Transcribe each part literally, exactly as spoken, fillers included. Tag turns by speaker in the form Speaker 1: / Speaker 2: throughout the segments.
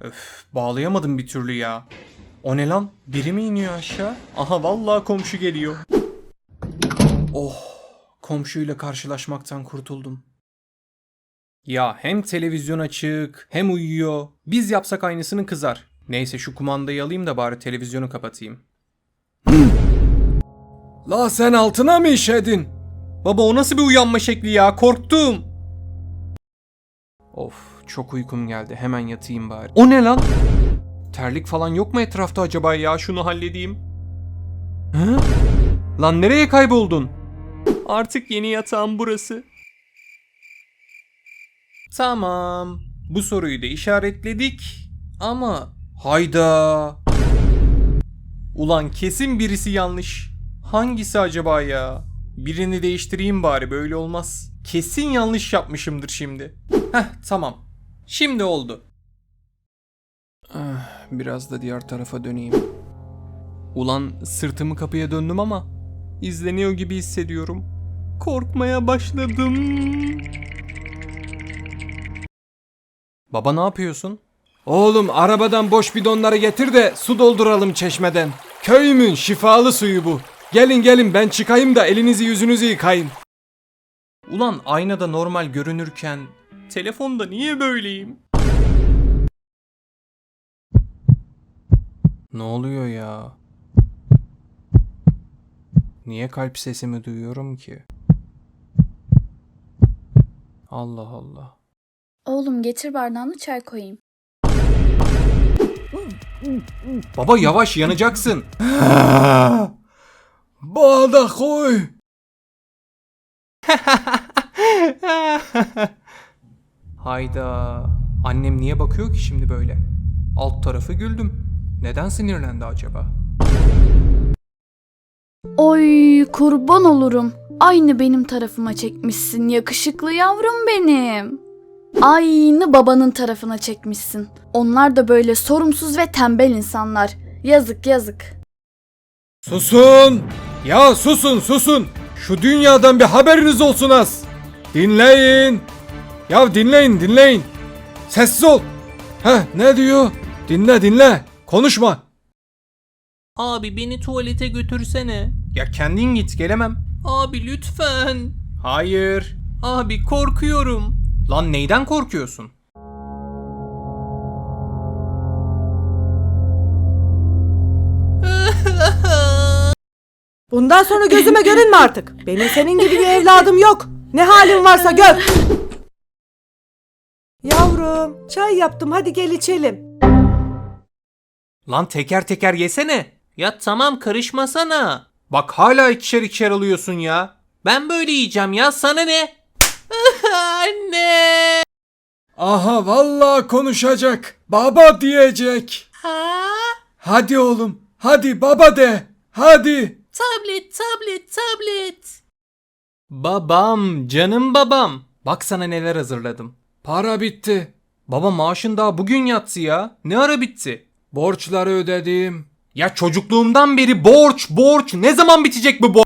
Speaker 1: Öf, bağlayamadım bir türlü ya. O ne lan? Biri mi iniyor aşağı? Aha vallahi komşu geliyor. Oh, komşuyla karşılaşmaktan kurtuldum. Ya hem televizyon açık hem uyuyor. Biz yapsak aynısını kızar. Neyse şu kumandayı alayım da bari televizyonu kapatayım. La sen altına mı işedin? Baba o nasıl bir uyanma şekli ya? Korktum. Of çok uykum geldi. Hemen yatayım bari. O ne lan? Terlik falan yok mu etrafta acaba ya? Şunu halledeyim. Hı? Lan nereye kayboldun? Artık yeni yatağım burası. Tamam. Bu soruyu da işaretledik. Ama hayda. Ulan kesin birisi yanlış. Hangisi acaba ya? Birini değiştireyim bari, böyle olmaz. Kesin yanlış yapmışımdır şimdi. Heh tamam. Şimdi oldu. Ah, biraz da diğer tarafa döneyim. Ulan sırtımı kapıya döndüm ama izleniyor gibi hissediyorum. Korkmaya başladım. Baba ne yapıyorsun?
Speaker 2: Oğlum arabadan boş bidonları getir de su dolduralım çeşmeden. Köyümün şifalı suyu bu. Gelin gelin ben çıkayım da elinizi yüzünüzü yıkayın.
Speaker 1: Ulan aynada normal görünürken telefonda niye böyleyim? Ne oluyor ya? Niye kalp sesimi duyuyorum ki? Allah Allah.
Speaker 3: Oğlum getir bardağını çay koyayım.
Speaker 1: Baba yavaş, yanacaksın.
Speaker 2: Bağda koy.
Speaker 1: Hayda. Annem niye bakıyor ki şimdi böyle? Alt tarafı güldüm. Neden sinirlendi acaba?
Speaker 3: Oy kurban olurum. Aynı benim tarafıma çekmişsin yakışıklı yavrum benim. Aynı babanın tarafına çekmişsin. Onlar da böyle sorumsuz ve tembel insanlar. Yazık yazık.
Speaker 2: Susun. Ya susun susun. Şu dünyadan bir haberiniz olsun az. Dinleyin. Ya dinleyin dinleyin. Sessiz ol. Heh ne diyor? Dinle dinle. Konuşma.
Speaker 4: Abi beni tuvalete götürsene.
Speaker 1: Ya kendin git, gelemem.
Speaker 4: Abi lütfen.
Speaker 1: Hayır.
Speaker 4: Abi korkuyorum.
Speaker 1: Lan neyden korkuyorsun?
Speaker 5: Bundan sonra gözüme görünme artık. Benim senin gibi bir evladım yok. Ne halin varsa gör. Yavrum, çay yaptım. Hadi gel içelim.
Speaker 1: Lan teker teker yesene.
Speaker 4: Ya tamam karışmasana.
Speaker 1: Bak hala ikişer ikişer alıyorsun ya.
Speaker 4: Ben böyle yiyeceğim ya, sana ne? Anne.
Speaker 2: Aha vallahi konuşacak. Baba diyecek.
Speaker 4: Ha?
Speaker 2: Hadi oğlum. Hadi baba de. Hadi.
Speaker 4: Tablet, tablet, tablet.
Speaker 1: Babam, canım babam. Bak sana neler hazırladım.
Speaker 2: Para bitti.
Speaker 1: Baba maaşın daha bugün yattı ya. Ne ara bitti?
Speaker 2: Borçları ödedim.
Speaker 1: Ya çocukluğumdan beri borç, borç. Ne zaman bitecek bu borç?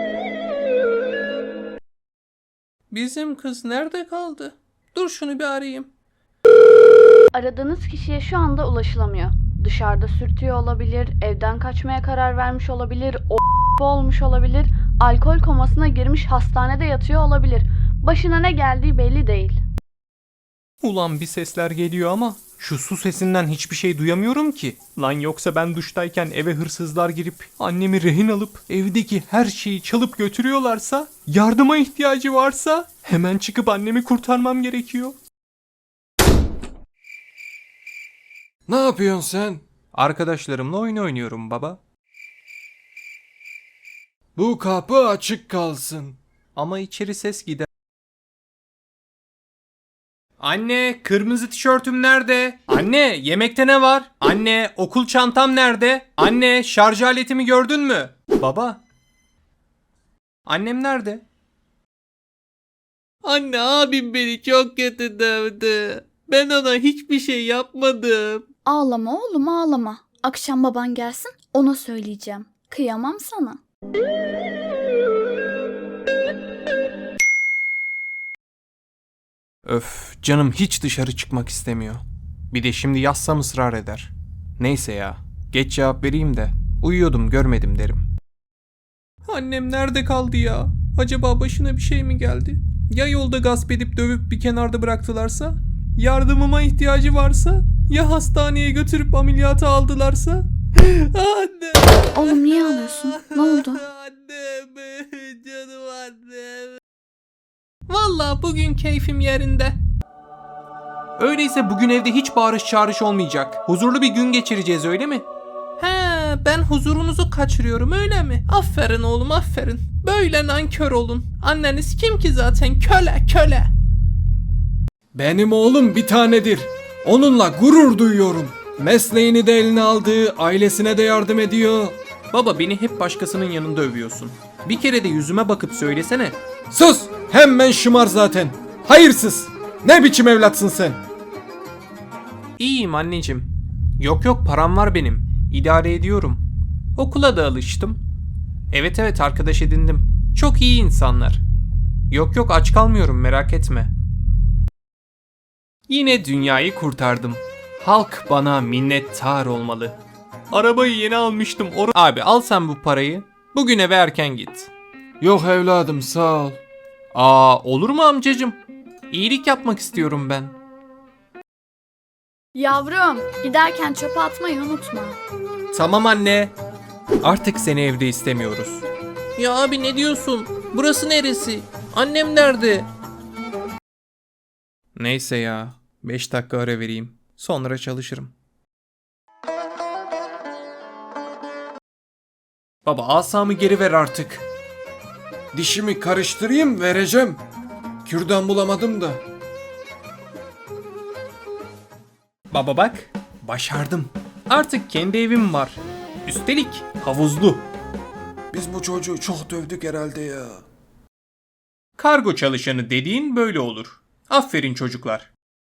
Speaker 4: Bizim kız nerede kaldı? Dur şunu bir arayayım.
Speaker 3: Aradığınız kişiye şu anda ulaşılamıyor. Dışarıda sürtüyor olabilir, evden kaçmaya karar vermiş olabilir, o olmuş olabilir, alkol komasına girmiş hastanede yatıyor olabilir. Başına ne geldiği belli değil.
Speaker 1: Ulan bir sesler geliyor ama şu su sesinden hiçbir şey duyamıyorum ki. Lan yoksa ben duştayken eve hırsızlar girip annemi rehin alıp evdeki her şeyi çalıp götürüyorlarsa, yardıma ihtiyacı varsa hemen çıkıp annemi kurtarmam gerekiyor.
Speaker 2: Ne yapıyorsun sen?
Speaker 1: Arkadaşlarımla oyun oynuyorum baba.
Speaker 2: Bu kapı açık kalsın.
Speaker 1: Ama içeri ses gider. Anne, kırmızı tişörtüm nerede? Anne, yemekte ne var? Anne, okul çantam nerede? Anne, şarj aletimi gördün mü? Baba. Annem nerede?
Speaker 4: Anne, abim beni çok kötü dövdü. Ben ona hiçbir şey yapmadım.
Speaker 3: Ağlama oğlum ağlama. Akşam baban gelsin ona söyleyeceğim. Kıyamam sana.
Speaker 1: Öf, canım hiç dışarı çıkmak istemiyor. Bir de şimdi yazsam ısrar eder. Neyse ya. Geç cevap vereyim de. Uyuyordum görmedim derim. Annem nerede kaldı ya? Acaba başına bir şey mi geldi? Ya yolda gasp edip dövüp bir kenarda bıraktılarsa? Yardımıma ihtiyacı varsa? Ya hastaneye götürüp ameliyata aldılarsa? Anne!
Speaker 3: Oğlum niye ağlıyorsun? Ne oldu?
Speaker 4: Annem, canım annem. Vallahi bugün keyfim yerinde.
Speaker 1: Öyleyse bugün evde hiç bağırış çağırış olmayacak. Huzurlu bir gün geçireceğiz öyle mi?
Speaker 4: He, ben huzurunuzu kaçırıyorum öyle mi? Aferin oğlum aferin. Böyle nankör olun. Anneniz kim ki zaten? Köle köle.
Speaker 2: Benim oğlum bir tanedir. Onunla gurur duyuyorum. Mesleğini de eline aldı, ailesine de yardım ediyor.
Speaker 1: Baba beni hep başkasının yanında övüyorsun. Bir kere de yüzüme bakıp söylesene.
Speaker 2: Sus! Hemen şımar zaten. Hayırsız! Ne biçim evlatsın sen?
Speaker 1: İyiyim anneciğim. Yok yok param var benim. İdare ediyorum. Okula da alıştım. Evet evet arkadaş edindim. Çok iyi insanlar. Yok yok aç kalmıyorum merak etme. Yine dünyayı kurtardım. Halk bana minnettar olmalı. Arabayı yeni almıştım. Or- Abi al sen bu parayı. Bugün eve erken git.
Speaker 2: Yok evladım sağ ol.
Speaker 1: Aa olur mu amcacım? İyilik yapmak istiyorum ben.
Speaker 3: Yavrum, giderken çöpe atmayı unutma.
Speaker 1: Tamam anne. Artık seni evde istemiyoruz.
Speaker 4: Ya abi ne diyorsun? Burası neresi? Annem nerede?
Speaker 1: Neyse ya. beş dakika ara vereyim. Sonra çalışırım. Baba asamı geri ver artık.
Speaker 2: Dişimi karıştırayım vereceğim. Kürdan bulamadım da.
Speaker 1: Baba bak. Başardım. Artık kendi evim var. Üstelik havuzlu.
Speaker 2: Biz bu çocuğu çok dövdük herhalde ya.
Speaker 1: Kargo çalışanı dediğin böyle olur. Aferin çocuklar.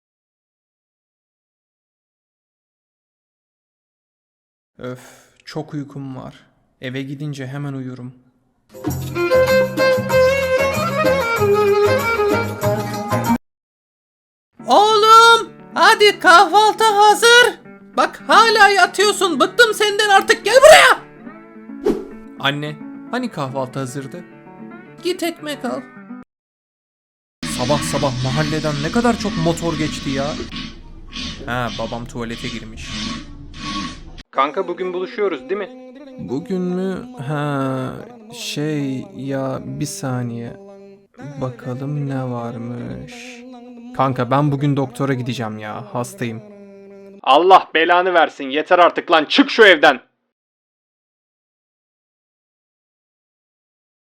Speaker 1: Öf, çok uykum var. Eve gidince hemen uyurum.
Speaker 4: Oğlum hadi kahvaltı hazır. Bak hala yatıyorsun. Bıktım senden artık gel buraya.
Speaker 1: Anne, hani kahvaltı hazırdı?
Speaker 4: Git ekmek al.
Speaker 1: Sabah sabah mahalleden ne kadar çok motor geçti ya. Ha, babam tuvalete girmiş. Kanka bugün buluşuyoruz değil mi? Bugün mü? Ha, şey ya bir saniye. Bakalım ne varmış. Kanka ben bugün doktora gideceğim ya. Hastayım. Allah belanı versin. Yeter artık lan. Çık şu evden.